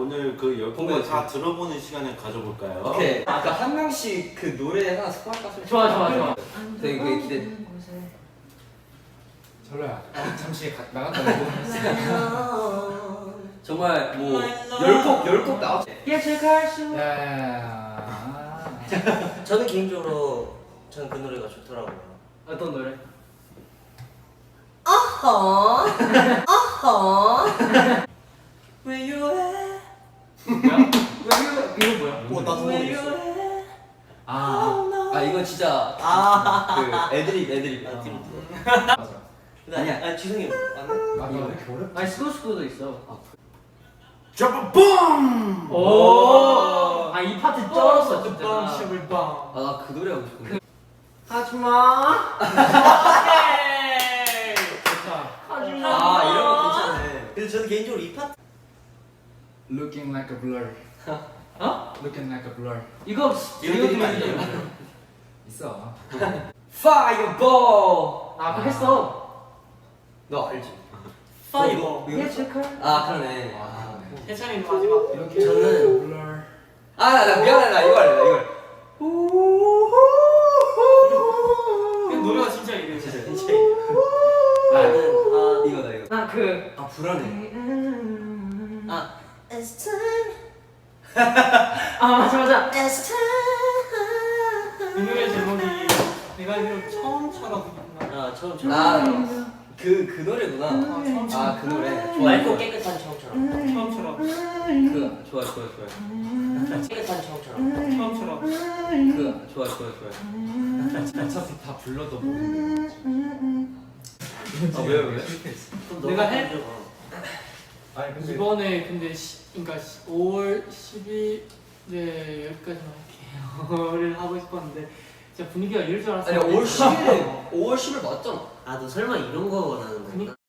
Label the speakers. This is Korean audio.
Speaker 1: 오늘 그 10곡을 다 들어보는 시간을 가져볼까요?
Speaker 2: 오케이. 아까 한 명씩 그 노래 하나 스포할까?
Speaker 3: 좋아.
Speaker 2: 되게 그게 기대.
Speaker 4: 철로야 잠시 나갔다 오고.
Speaker 2: 정말 뭐 10곡 나왔지.
Speaker 3: 예측할 수.
Speaker 4: 야야야.
Speaker 5: 저는 개인적으로 저는 그 노래가 좋더라고요.
Speaker 3: 어떤 노래?
Speaker 5: Where you at?
Speaker 3: 뭐야? 이거 뭐야?
Speaker 5: 나도
Speaker 3: Where
Speaker 5: 모르겠어.
Speaker 3: you at?
Speaker 2: 아 이건 진짜 그 애드립.
Speaker 4: 맞아.
Speaker 2: 아니야.
Speaker 5: 지성이 맞네?
Speaker 4: 아 이거 왜 이렇게 어렵?
Speaker 3: 아니 스코스코도 있어.
Speaker 1: Drop a bomb!
Speaker 3: 오. 아 이 파트 쩔었어 진짜.
Speaker 4: 슈블빵.
Speaker 2: 아 나 그 노래 하고 싶은데.
Speaker 3: 하지마.
Speaker 4: 좋다.
Speaker 3: 하지마.
Speaker 5: 아 이런 거 괜찮네. 근데 저는 개인적으로 이 파트
Speaker 4: Looking like a blur.
Speaker 3: 어?
Speaker 4: Looking like a blur.
Speaker 3: 이거
Speaker 5: 이거 아니에요?
Speaker 4: 있어.
Speaker 2: Fireball.
Speaker 3: 아 그거 했어.
Speaker 2: 너 알지?
Speaker 5: 파이버.
Speaker 3: 예측할.
Speaker 2: 아 그러네.
Speaker 3: 해찬이 마지막.
Speaker 4: 이렇게
Speaker 5: 저는-
Speaker 4: blur.
Speaker 2: 나 미안해 나 이거 할래 이걸.
Speaker 3: 노래가 진짜 이래.
Speaker 5: 진짜 나는
Speaker 2: 이거다 이거.
Speaker 3: 나그
Speaker 2: 아 불안해.
Speaker 5: It's time.
Speaker 3: 맞아.
Speaker 5: It's time.
Speaker 3: 이 노래 제목이 내가 알기로 처음처럼.
Speaker 5: 처음.
Speaker 2: 그 노래구나. 아 그 노래.
Speaker 5: 맑고 깨끗한 처음처럼.
Speaker 3: 처음처럼.
Speaker 2: 그 좋아.
Speaker 5: 깨끗한 처음처럼.
Speaker 3: 처음처럼.
Speaker 2: 그 좋아.
Speaker 4: 어차피 다 불러도 모르는데.
Speaker 2: 왜?
Speaker 3: 내가 해?
Speaker 4: 아니 근데
Speaker 3: 이번에 근데 그러니까 5월 10일에 여기까지만 할게요.를 하고 싶었는데 진짜 분위기가 이럴 줄 알았어.
Speaker 2: 아니 5월 10일 맞잖아.
Speaker 5: 너 설마 이런 거 원하는 거야?
Speaker 3: 그니까.